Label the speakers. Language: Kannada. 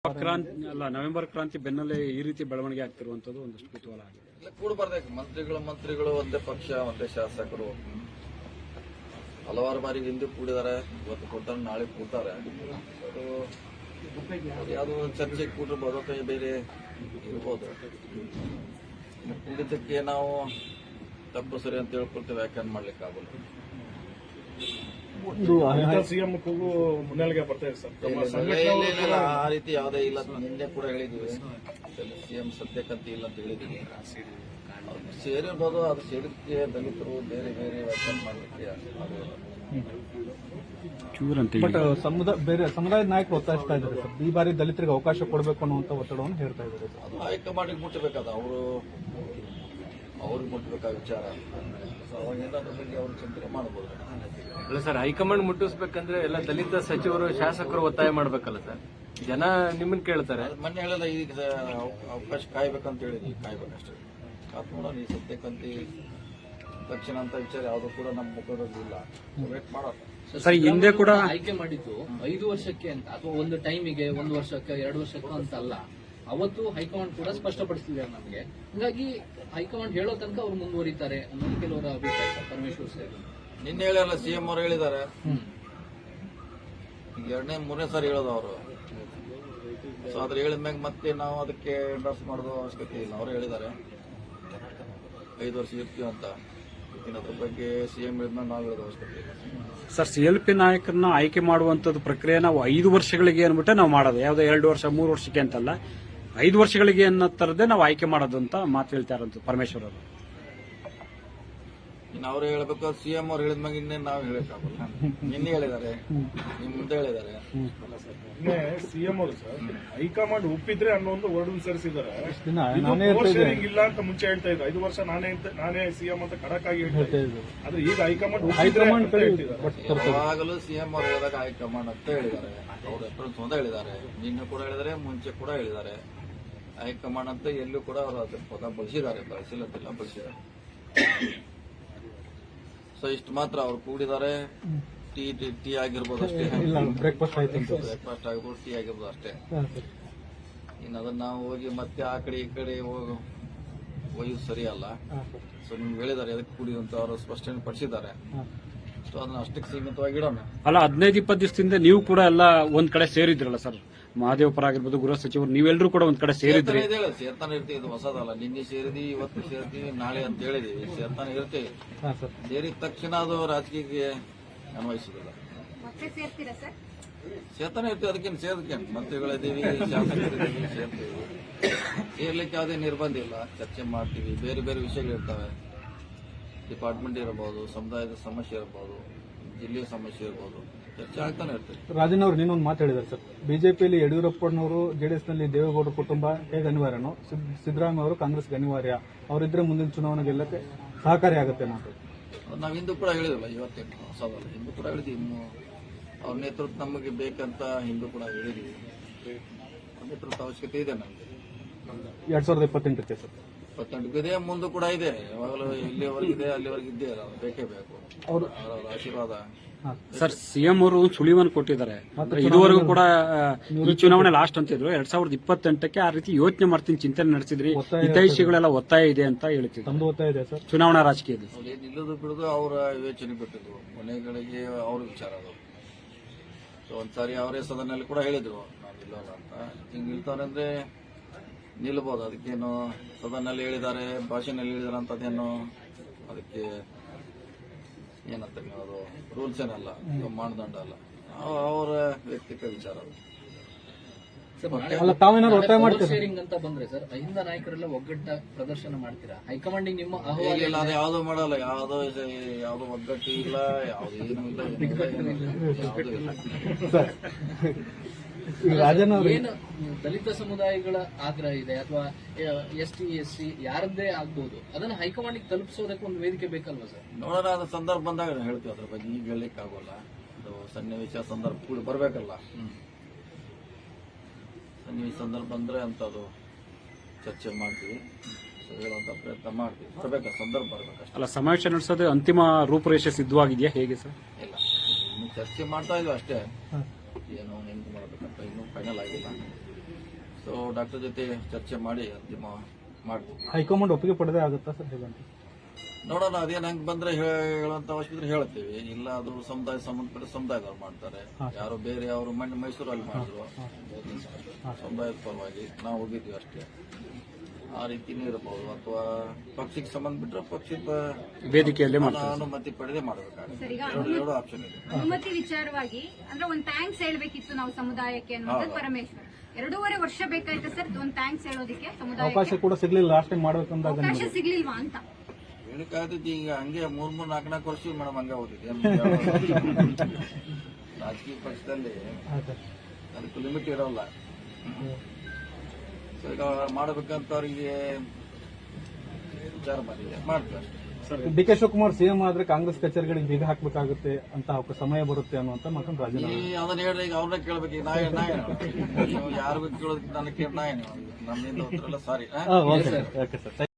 Speaker 1: ನವೆಂಬರ್ ಕ್ರಾಂತಿ ಬೆನ್ನಲ್ಲೇ ಈ ರೀತಿ ಬೆಳವಣಿಗೆ ಆಗ್ತಿರುವಂತದ್ದು ಒಂದಷ್ಟು ಕುತೂಹಲ ಆಗಿದೆ.
Speaker 2: ಕೂಡಬಾರ್ಬೇಕು ಮಂತ್ರಿಗಳು ಒಂದೇ ಪಕ್ಷ ಒಂದೇ ಶಾಸಕರು ಹಲವಾರು ಬಾರಿ ಹಿಂದೆ ಕೂಡಿದ್ದಾರೆ. ಇವತ್ತು ಕೂಡ್ತಾರೆ, ನಾಳೆ ಕೂಡ್ತಾರೆ. ಯಾವುದೋ ಚರ್ಚೆ ಕೂಡಿರ್ಬೋದು ಅಥವಾ ಬೇರೆ ಇರ್ಬೋದು. ಕೂಡಿದ್ದಕ್ಕೆ ನಾವು ತಪ್ಪು ಸರಿ ಅಂತ ಹೇಳ್ಕೊಳ್ತೇವೆ, ವ್ಯಾಖ್ಯಾನ ಮಾಡ್ಲಿಕ್ಕೆ ಆಗೋಲ್ಲ.
Speaker 3: ಸಿಎಂ ಕೂಗು ಮುನ್ನೆಲೆಗೆ ಬರ್ತಾ ಇದೆ
Speaker 2: ಸರ್. ಆ ರೀತಿ ಯಾವುದೇ ಇಲ್ಲ. ನಿನ್ನೆ ಕೂಡ ಹೇಳಿದ್ವಿ, ಸಿಎಂ ಸದ್ಯಕ್ಕಂತ ಇಲ್ಲ ಅಂತ ಹೇಳಿದ್ವಿ. ಸೇರಿರ್ಬೋದು, ಅದು ಸೇರಿದಕ್ಕೆ ದಲಿತರು ಬೇರೆ ಬೇರೆ ವ್ಯಾಖ್ಯಾನ ಮಾಡಲಿಕ್ಕೆ
Speaker 4: ಬಟ್ ಬೇರೆ ಸಮುದಾಯದ ನಾಯಕರು ಒತ್ತಾಯಿಸ್ತಾ ಇದ್ದಾರೆ ಸರ್, ಈ ಬಾರಿ ದಲಿತರಿಗೆ ಅವಕಾಶ ಕೊಡಬೇಕು ಅನ್ನುವಂತ ಒತ್ತಡವನ್ನು ಹೇಳ್ತಾ ಇದ್ದಾರೆ.
Speaker 2: ಅದು ಹೈಕಮಾಂಡಿಗೆ ಮುಟ್ಟಬೇಕಾದ ಅವ್ರಿಗೆ ಮುಟ್ಟಬೇಕಾದ ವಿಚಾರ. ಅವಾಗಿಂದ ಅದ್ರ ಬಗ್ಗೆ ಅವ್ರು ಚಿಂತನೆ ಮಾಡಬಹುದು.
Speaker 5: ಅಲ್ಲ ಸರ್, ಹೈಕಮಾಂಡ್ ಮುಟ್ಟಿಸ್ಬೇಕಂದ್ರೆ ಎಲ್ಲ ದಲಿತ ಸಚಿವರು ಶಾಸಕರು ಒತ್ತಾಯ ಮಾಡ್ಬೇಕಲ್ಲ ಸರ್. ಜನ ನಿಮ್ಮನ್ನ ಕೇಳ್ತಾರೆ.
Speaker 2: ಮೊನ್ನೆ ಹೇಳಲ್ಲ, ಈಗ ಅವಕಾಶ ಕಾಯ್ಬೇಕಂತ ಹೇಳಿದ್ವಿ, ಕಾಯ್ಬೇಕಷ್ಟೇ. ಕಾತ್ ನೋಡೋಣ. ಈ ಸದ್ಯಕ್ಕಂತ ತಕ್ಷಣ ಅಂತ ವಿಚಾರ ಯಾವುದು ಕೂಡ ನಮ್ಮ ಮುಖದಲ್ಲಿ ಇಲ್ಲ. ವೇಟ್ ಮಾಡೋಣ.
Speaker 1: ಸರ್, ಹಿಂದೆ ಕೂಡ
Speaker 6: ಆಯ್ಕೆ ಮಾಡಿದ್ದು 5 ವರ್ಷಕ್ಕೆ ಅಂತ, ಅಥವಾ ಒಂದು ಟೈಮಿಗೆ 1 ವರ್ಷಕ್ಕೆ 2 ವರ್ಷಕ್ಕೆ ಅಂತ ಅಲ್ಲ. ಅವತ್ತು ಹೈಕಮಾಂಡ್ ಕೂಡ ಸ್ಪಷ್ಟಪಡಿಸಿದ್ದಾರೆ ನಮಗೆ. ಹೀಗಾಗಿ ಹೈಕಮಾಂಡ್ ಹೇಳೋ ತನಕ ಅವ್ರು ಮುಂದುವರಿತಾರೆ ಅನ್ನೋದು ಕೆಲವರ ಅಭಿಪ್ರಾಯ. ಪರಮೇಶ್ವರ್ ಸರ್
Speaker 2: ನಿನ್ನೆ ಹೇಳಿರಲ್ಲ, ಸಿಎಂ ಅವರು ಹೇಳಿದ್ದಾರೆ. ಈಗ 2ನೇ 3ನೇ ಸಾರಿ ಹೇಳೋದು ಅವರು. ಸೊ ಅದ್ರ ಹೇಳಿದ್ಮ್ಯಾಗ ಮತ್ತೆ ನಾವು ಅದಕ್ಕೆ ಎಂಡರ್ಸ್ ಮಾಡೋದು ಅವಶ್ಯಕತೆ ಇಲ್ಲ. ಅವರು ಹೇಳಿದ್ದಾರೆ 5 ವರ್ಷ ಇರ್ತೀವಿ ಅಂತ. ಅದ್ರ ಬಗ್ಗೆ ಸಿಎಂ ಹೇಳಿದ್ಮೇಲೆ ನಾವು ಹೇಳೋದು ಅವಶ್ಯಕತೆ ಇಲ್ಲ.
Speaker 1: ಸರ್, CLP ನಾಯಕರನ್ನ ಆಯ್ಕೆ ಮಾಡುವಂತದ್ದು ಪ್ರಕ್ರಿಯೆ ನಾವು 5 ವರ್ಷಗಳಿಗೆ ಅನ್ಬಿಟ್ಟೆ ನಾವು ಮಾಡೋದು. ಯಾವುದೋ 2 ವರ್ಷ 3 ವರ್ಷಕ್ಕೆ ಅಂತಲ್ಲ, 5 ವರ್ಷಗಳಿಗೆ ಅನ್ನೋ ತರದೇ ನಾವು ಆಯ್ಕೆ ಮಾಡೋದು ಅಂತ ಮಾತು ಹೇಳ್ತಾರಂತ ಪರಮೇಶ್ವರ್ ಅವರು.
Speaker 2: ಇನ್ನು ಅವ್ರು ಹೇಳ್ಬೇಕು, ಸಿಎಂ ಅವ್ರು ಹೇಳಿದ್ಮ್ಯಾಗ ಇನ್ನೇನು ನಾವು ಹೇಳಕ್ಕಾಗಲ್ಲ. ನಿನ್ನೆ ಹೇಳಿದ್ದಾರೆ, ನಿಮ್ ಮುಂದೆ ಹೇಳಿದ್ದಾರೆ.
Speaker 3: ಸಿಎಂ ಅವರು ಸರ್ ಹೈಕಮಾಂಡ್ ಒಪ್ಪಿದ್ರೆ ಅನ್ನೋ ಒಂದು ವರ್ಡ್ ಸೇರಿಸಿದ್ದಾರೆ. ಇಲ್ಲ ಅಂತ ಮುಂಚೆ ಹೇಳ್ತಾ ಇದ್ರು. 5 ವರ್ಷ ನಾನೇ ಸಿಎಂ ಅಂತ ಖಡಕ್ ಆಗಿ ಹೇಳ್ತಾ ಇದ್ರು. ಆದ್ರೆ ಈಗ ಹೈಕಮಾಂಡ್
Speaker 2: ಯಾವಾಗಲೂ ಸಿಎಂ ಅವ್ರು ಹೇಳಿದಾಗ ಹೈಕಮಾಂಡ್ ಅಂತ ಹೇಳಿದ್ದಾರೆ. ಅವ್ರು ಎಪ್ರಿಲ್ ಒಂದೇ ಹೇಳಿದ್ದಾರೆ, ನಿನ್ನೆ ಕೂಡ ಹೇಳಿದ್ದಾರೆ, ಮುಂಚೆ ಕೂಡ ಹೇಳಿದ್ದಾರೆ. ಹೈಕಮಾಂಡ್ ಅಂತ ಎಲ್ಲೂ ಕೂಡ ಅವರು ಅದ್ರ ಪದ ಬಳಸಿದ್ದಾರೆ, ಬಳಸಿಲ್ಲ ಬಳಸಿದ್ದಾರೆ. ಸೊ ಇಷ್ಟು ಮಾತ್ರ ಅವ್ರು ಕೂಡಿದ್ದಾರೆ. ಟೀ ಆಗಿರ್ಬೋದು ಅಷ್ಟೇ,
Speaker 4: ಬ್ರೇಕ್ಫಾಸ್ಟ್
Speaker 2: ಆಗಿರ್ಬೋದು, ಟೀ ಆಗಿರ್ಬೋದು ಅಷ್ಟೇ. ಇನ್ನು ಅದನ್ನ ನಾವು ಹೋಗಿ ಮತ್ತೆ ಆ ಕಡೆ ಈ ಕಡೆ ಒಯ್ಯೋದು ಸರಿ ಅಲ್ಲ. ಸೊ ನಿಮ್ಗೆ ಹೇಳಿದ್ದಾರೆ ಅದಕ್ಕೆ ಕೂಡಿ ಅಂತ ಅವರು ಸ್ಪಷ್ಟನೆ ಪಡಿಸಿದ್ದಾರೆ. ಸೊ ಅದನ್ನ ಅಷ್ಟಕ್ಕೆ ಸೀಮಿತವಾಗಿ ಇಡೋಣ.
Speaker 1: ಅಲ್ಲ, 15-20 ದಿವಸದಿಂದ ನೀವು ಕೂಡ ಎಲ್ಲ ಒಂದ್ ಕಡೆ ಸೇರಿದ್ರಲ್ಲ ಸರ್, ಮಹದೇವಪುರ ಆಗಿರ್ಬೋದು, ಗೃಹ ಸಚಿವರು, ನೀವೆಲ್ಲರೂ ಕೂಡ ಒಂದ್ ಕಡೆ ಸೇರಿದ್ರಿ.
Speaker 2: ಸೇರ್ತಾನೆ ಇರ್ತೀವಿ, ಇದು ಹೊಸದಲ್ಲ. ನಿನ್ನೆ ಸೇರಿದ್ವಿ, ಇವತ್ತು ಸೇರ್ತೀವಿ, ನಾಳೆ ಅಂತ ಹೇಳಿದೀವಿ. ಸೇರ್ತಾನೆ ಇರ್ತೀವಿ. ಸೇರಿದ ತಕ್ಷಣ ಅದು ರಾಜಕೀಯಕ್ಕೆ ಅನ್ವಯಿಸುದಿಲ್ಲ. ಸೇರ್ತಾನೆ ಇರ್ತೀವಿ. ಅದಕ್ಕೇನು ಸೇರ್ಕೇನು, ಮಂತ್ರಿಗಳಿದ್ದೀವಿ, ಶಾಸಕರಿದ್ದೀವಿ, ಸೇರ್ತೀವಿ. ಸೇರ್ಲಿಕ್ಕೆ ಯಾವುದೇ ನಿರ್ಬಂಧ ಇಲ್ಲ. ಚರ್ಚೆ ಮಾಡ್ತೀವಿ. ಬೇರೆ ಬೇರೆ ವಿಷಯಗಳಿರ್ತವೆ. ಡಿಪಾರ್ಟ್ಮೆಂಟ್ ಇರಬಹುದು, ಸಮುದಾಯದ ಸಮಸ್ಯೆ ಇರಬಹುದು, ಜಿಲ್ಲೆಯ ಸಮಸ್ಯೆ ಇರಬಹುದು, ಚರ್ಚೆ ಆಗ್ತಾನೆ ಇರ್ತದೆ.
Speaker 4: ರಾಜನ್ ಅವರು ನೀನೊಂದು ಮಾತು ಹೇಳಿದ್ದಾರೆ ಸರ್, ಬಿಜೆಪಿಯಲ್ಲಿ ಯಡಿಯೂರಪ್ಪನವರು, ಜೆಡಿಎಸ್ ನಲ್ಲಿ ದೇವೇಗೌಡರ ಕುಟುಂಬ ಹೇಗೆ ಅನಿವಾರ್ಯನೋ, ಸಿದ್ದರಾಮಯ್ಯ ಅವರು ಕಾಂಗ್ರೆಸ್ಗೆ ಅನಿವಾರ್ಯ. ಅವರಿದ್ರೆ ಮುಂದಿನ ಚುನಾವಣೆ ಗೆಲ್ಲಕ್ಕೆ ಸಹಕಾರಿಯಾಗುತ್ತೆ ಅನ್ನೋದು
Speaker 2: ನಾವು ಹಿಂದೂ ಕೂಡ ಹೇಳಿದ್ರಲ್ಲ, ಇವತ್ತೇನು ಹೊಸದಲ್ಲ. ಹಿಂದೂ ಕೂಡ ಹೇಳಿದ್ವಿ. ಇನ್ನು ಅವ್ರ ನೇತೃತ್ವ ನಮಗೆ ಬೇಕಂತ ಹಿಂದೂ ಕೂಡ ಹೇಳಿದ್ವಿ. ನೇತೃತ್ವ ಅವಶ್ಯಕತೆ ಇದೆ ನಮಗೆ.
Speaker 4: 2028ಕ್ಕೆ ಸರ್
Speaker 2: 28 ಇದೆ, ಮುಂದೆ ಕೂಡ ಇದೆ. ಯಾವಾಗಲೂ ಇಲ್ಲಿವರೆಗಿದೆ, ಅಲ್ಲಿವರೆಗಿದ್ದೇ ಬೇಕೇ ಬೇಕು. ಅವರ ಆಶೀರ್ವಾದ.
Speaker 1: ಸರ್, ಸಿಎಂ ಅವರು ಸುಳಿವನ್ನು ಕೊಟ್ಟಿದ್ದಾರೆ. ಇದುವರೆಗೂ ಕೂಡ ಈ ಚುನಾವಣೆ ಲಾಸ್ಟ್ ಅಂತಿದ್ರು. 2028ಕ್ಕೆ ಆ ರೀತಿ ಯೋಚನೆ ಮಾಡ್ತೀನಿ, ಚಿಂತನೆ ನಡೆಸಿದ್ರಿ, ಹಿತೈಷಿಗಳೆಲ್ಲ ಒತ್ತಾಯ ಇದೆ ಅಂತ ಹೇಳ್ತಿದ್ರು ಚುನಾವಣಾ ರಾಜಕೀಯದಲ್ಲಿ.
Speaker 2: ನಿಲ್ಲೋದು ಬಿಡೋದು ಅವರ ವಿವೇಚನೆ ಬಿಟ್ಟಿದ್ರು. ಕೊನೆಗಳಿಗೆ ಅವ್ರ ವಿಚಾರ ಅದು. ಒಂದ್ಸಾರಿ ಅವರೇ ಸದನಲ್ಲಿ ಕೂಡ ಹೇಳಿದ್ರು ನಾವು ನಿಲ್ಲೋಲ್ಲ ಅಂತ. ಹಿಂಗ್ ನಿಲ್ತಾರೆ ಅಂದ್ರೆ ನಿಲ್ಬಹುದು. ಅದಕ್ಕೇನು ಸದನಲ್ಲಿ ಹೇಳಿದ್ದಾರೆ, ಭಾಷೆನಲ್ಲಿ ಹೇಳಿದಾರೆ ಅಂತ ಅದೇನು ಅದಕ್ಕೆ ಏನಂತ ಅದು ರೂಲ್ಸ್ ಏನಲ್ಲ, ಮಾನದಂಡ ಅಲ್ಲ. ಅವರ ವ್ಯಕ್ತಿತ್ವ ವಿಚಾರ ಅದು.
Speaker 6: ಶೇರಿಂಗ್ ಅಂತ ಬಂದ್ರೆ ಸರ್, ಅಹಿಂದ ನಾಯಕರೆಲ್ಲ ಒಗ್ಗಟ್ಟ ಪ್ರದರ್ಶನ ಮಾಡ್ತೀರಾ? ಹೈಕಮಾಂಡಿಂಗ್ ನಿಮ್ಮ
Speaker 2: ಇಲ್ಲ, ಅದು ಯಾವ್ದು ಮಾಡಲ್ಲ. ಯಾವ್ದು ಒಗ್ಗಟ್ಟು ಇಲ್ಲ, ಯಾವ್ದು ಏನು ಇಲ್ಲ.
Speaker 6: ಏನು ದಲಿತ ಸಮುದಾಯಗಳ ಆಗ್ರಹ ಇದೆ, ಅಥವಾ ST SC ಯಾರದ್ದೇ ಆಗ್ಬಹುದು, ಅದನ್ನ ಹೈಕಮಾಂಡಿಗೆ ತಲುಪಿಸೋದಕ್ಕೆ ಒಂದು ವೇದಿಕೆ ಬೇಕಲ್ವಾ ಸರ್?
Speaker 2: ನೋಡೋಣ, ಅದು ಸಂದರ್ಭ ಬಂದಾಗ ಹೇಳ್ತೀವಿ. ಅದ್ರ ಬಗ್ಗೆ ಈಗ ಹೇಳಲಿಕ್ಕೆ ಆಗೋಲ್ಲ. ಅದು ಸನ್ನಿವೇಶ ಸಂದರ್ಭ ಕೂಡ ಬರ್ಬೇಕಲ್ಲ. ಸನ್ನಿವೇಶ ಸಂದರ್ಭ ಬಂದ್ರೆ ಅಂತದ್ದು ಚರ್ಚೆ ಮಾಡ್ತೀವಿ, ಹೇಳುವಂತ ಪ್ರಯತ್ನ ಮಾಡ್ತೀವಿ. ಬರ್ಬೇಕು, ಸಂದರ್ಭ ಬರ್ಬೇಕಷ್ಟೇ.
Speaker 1: ಅಲ್ಲ, ಸಮಾವೇಶ ನಡೆಸೋದು ಅಂತಿಮ ರೂಪುರೇಷೆ ಸಿದ್ಧವಾಗಿದೆಯಾ, ಹೇಗೆ ಸರ್?
Speaker 2: ಇಲ್ಲ, ಇನ್ನು ಚರ್ಚೆ ಮಾಡ್ತಾ ಇದ್ವಿ ಅಷ್ಟೇ. ಏನು ಹೆಂಗ್ ಮಾಡ್ಬೇಕಂತ ಇನ್ನೂ ಫೈನಲ್ ಆಗಿಲ್ಲ. ಸೊ ಡಾಕ್ಟರ್ ಜೊತೆ ಚರ್ಚೆ ಮಾಡಿ ಅಂತಿಮ ಮಾಡ್ತೀವಿ.
Speaker 4: ಹೈಕಮಾಂಡ್ ಒಪ್ಪಿಗೆ ಪಡೆದೇ ಆಗುತ್ತಾ ಸರ್ ಹೇಗಂತ?
Speaker 2: ನೋಡೋಣ, ಅದೇನು ಹೆಂಗ್ ಬಂದ್ರೆ ಹೇಳುವಂತ ಅವಶ್ಯಕತೆ ಹೇಳ್ತೀವಿ. ಇಲ್ಲ ಅದು ಸಮುದಾಯ ಸಂಬಂಧಪಟ್ಟ ಸಮುದಾಯದವ್ರು ಮಾಡ್ತಾರೆ, ಯಾರು ಬೇರೆ ಅವರು ಮೈಸೂರಲ್ಲಿ ಮಾಡಿದ್ರು ಸಮುದಾಯದ ಪರವಾಗಿ ನಾವು ಹೋಗಿದ್ವಿ ಅಷ್ಟೇ. ಆ ರೀತಿನೂ ಇರಬಹುದು, ಅಥವಾ ಪಕ್ಷಕ್ಕೆ ಸಂಬಂಧ ಬಿಟ್ಟರೆ ಪಕ್ಷದ
Speaker 1: ವೇದಿಕೆಯಲ್ಲಿ
Speaker 2: ಅನುಮತಿ ಪಡೆದೇ ಮಾಡಬೇಕಾಗುತ್ತೆ.
Speaker 7: ಸರ್, ಈಗ
Speaker 2: ಎರಡು ಆಪ್ಷನ್ ಇದೆ.
Speaker 7: ಅನುಮತಿ ವಿಚಾರವಾಗಿ ಅಂದ್ರೆ ಒಂದ್ ಥ್ಯಾಂಕ್ಸ್ ಹೇಳ್ಬೇಕಿತ್ತು ನಾವು ಸಮುದಾಯಕ್ಕೆ ಅನ್ನೋದು ಪರಮೇಶ್ವರ್. 2.5 ವರ್ಷ ಬೇಕಾಯ್ತು ಸರ್ ಒಂದ್ ಥ್ಯಾಂಕ್ಸ್ ಹೇಳೋದಕ್ಕೆ ಸಮುದಾಯಕ್ಕೆ.
Speaker 4: ಅವಕಾಶ ಕೂಡ ಸಿಗ್ಲಿಲ್ಲ ಲಾಸ್ಟ್ ಟೈಮ್ ಮಾಡ್ಬೇಕಂದಾಗ
Speaker 7: ಅವಕಾಶ ಸಿಗ್ಲಿಲ್ವಾ ಅಂತ
Speaker 2: ಹೇಳಿಕಾಗ್ತೈತಿ. ಈಗ ಹಂಗೆ 3-4 ವರ್ಷ ಮೇಡಮ್ ಹಂಗೆ ಹೋಗ್ತೈತಿ. ರಾಜಕೀಯ ಪಕ್ಷದಲ್ಲಿ ಅದಕ್ಕೆ ಲಿಮಿಟ್ ಇರೋಲ್ಲ. ಸೊ ಈಗ ಮಾಡಬೇಕಂತ ಅವರಿಗೆ ವಿಚಾರ ಮಾಡಿದೆ, ಮಾಡ್ತೀವಿ ಅಷ್ಟೇ.
Speaker 4: ಡಿ ಕೆ ಶಿವಕುಮಾರ್ ಸಿಎಂ ಆದ್ರೆ ಕಾಂಗ್ರೆಸ್ ಕಚೇರಿಗಳಿಗೆ ಬೀಗ ಹಾಕ್ಬೇಕಾಗುತ್ತೆ ಅಂತ ಸಮಯ ಬರುತ್ತೆ ಅನ್ನುವಂತ ಮಾತನ್ನು ರಾಜೀನಾಮೆ.
Speaker 2: ಅದನ್ನ ಹೇಳ್ರಿ, ಈಗ ಅವ್ರನ್ನ ಕೇಳ್ಬೇಕು. ಈಗ ನೀವು ಯಾರಿಗೂ ಕೇಳೋದಕ್ಕೆ ನನಗೆ ಕೇಳಿ ನಮ್ಮಿಂದ ಉತ್ತರ ಇಲ್ಲ. ಸಾರಿ.
Speaker 4: Okay sir.